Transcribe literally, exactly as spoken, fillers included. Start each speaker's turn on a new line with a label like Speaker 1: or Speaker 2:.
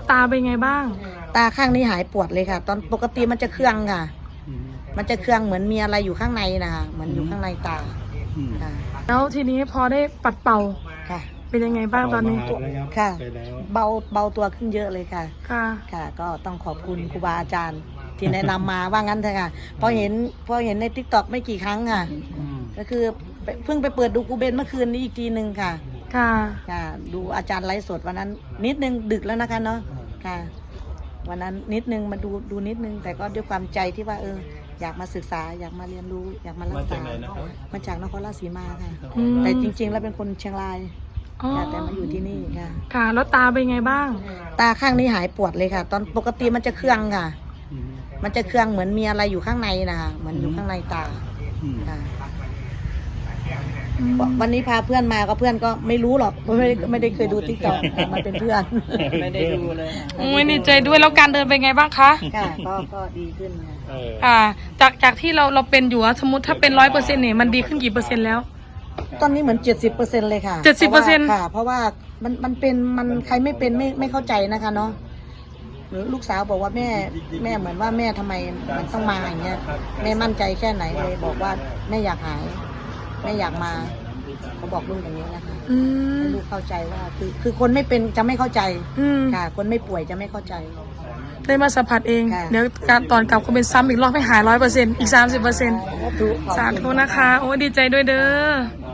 Speaker 1: ตาเป็นไงบ้าง
Speaker 2: ตาข้างนี้หายปวดเลยค่ะตอนปกติมันจะเครื่องค่ะมันจะเครื่องเหมือนมีอะไรอยู่ข้างในนะคะเหมือนอยู่ข้างในตาค่ะ
Speaker 1: แล้วทีนี้พอได้ปัดเป่า
Speaker 2: ค่ะ
Speaker 1: เป็นยังไงบ้างตอนนี้
Speaker 2: ค่ะเบาเบาตัวขึ้นเยอะเลยค่ะ
Speaker 1: ค่ะ
Speaker 2: ค่ะก็ต้องขอบคุณครูบาอาจารย์ที่แนะนำมาว่างั้นเถอะค่ะพอเห็นพอเห็นในทิกตอกไม่กี่ครั้งค่ะก็คือเพิ่งไปเปิดดูครูเบนเมื่อคืนนี้อีกทีหนึ่งค่ะ
Speaker 1: ค่ะ
Speaker 2: ค่ะดูอาจารย์ไลฟ์สดวันนั้นนิดนึงดึกแล้วนะคะเนาะค่ะวันนั้นนิดนึงมาดูดูนิดนึงแต่ก็ด้วยความใจที่ว่าเอออยากมาศึกษาอยากมาเรียนรู้อยากมารักษามาจากนครราชสีมาค่ะแต่จริงๆแล้วเป็นคนเชียงรายแต่มาอยู่ที่นี่ค่ะ
Speaker 1: ค่ะแล้วตาเป็นไงบ้าง
Speaker 2: ตาข้างนี้หายปวดเลยค่ะตอนปกติมันจะเครื่องค่ะมันจะเครื่องเหมือนมีอะไรอยู่ข้างในนะคะเหมือนอยู่ข้างในตาค่ะวันนี้พาเพื่อนมาก็เพื่อนก็ไม่รู้หรอกไม่ได้ไม่ได้เคยดูติ๊กต็อกมันเป็นเพื่อน
Speaker 3: ไม่ได้ดูเลย
Speaker 1: โอ้ยดีใจด้วยแล้วการเดินเป็นไงบ้างคะ
Speaker 2: ค่ะก็ก็ดีขึ้น
Speaker 1: ค่ะจากจากที่เราเราเป็นอยู่สมมติถ้าเป็นร้อยเปอร์เซ็นต์เนี่ยมันดีขึ้นกี่เปอร์เซ็นต์แล้ว
Speaker 2: ตอนนี้เหมือนเจ็ดสิบเปอร์เซ็นต์เลยค่ะ
Speaker 1: เจ็ดสิบเปอร์เซ็นต์
Speaker 2: ค่ะเพราะว่ามันมันเป็นมันใครไม่เป็นไม่ไม่เข้าใจนะคะเนาะลูกสาวบอกว่าแม่แม่เหมือนว่าแม่ทำไมมันต้องมาอย่างเงี้ยแม่มั่นใจแค่ไหนเลยบอกว่าแม่อยากหายแม่อยากมาเขาบอกลูกอย่างนี้นะคะให้ลูกเข้าใจว่าคือคือคนไม่เป็นจะไม่เข้าใจค่ะคนไม่ป่วยจะไม่เข้าใจ
Speaker 1: ได้มาสัมผัสเองเดี๋ยวการตอนกลับก็เป็นซ้ำอีกรอบให้หายร้อยเปอร์เซ็นต์อีกสามสิบเปอร์เซ็นต์สาธุนะคะโอ้ดีใจด้วยเด้อ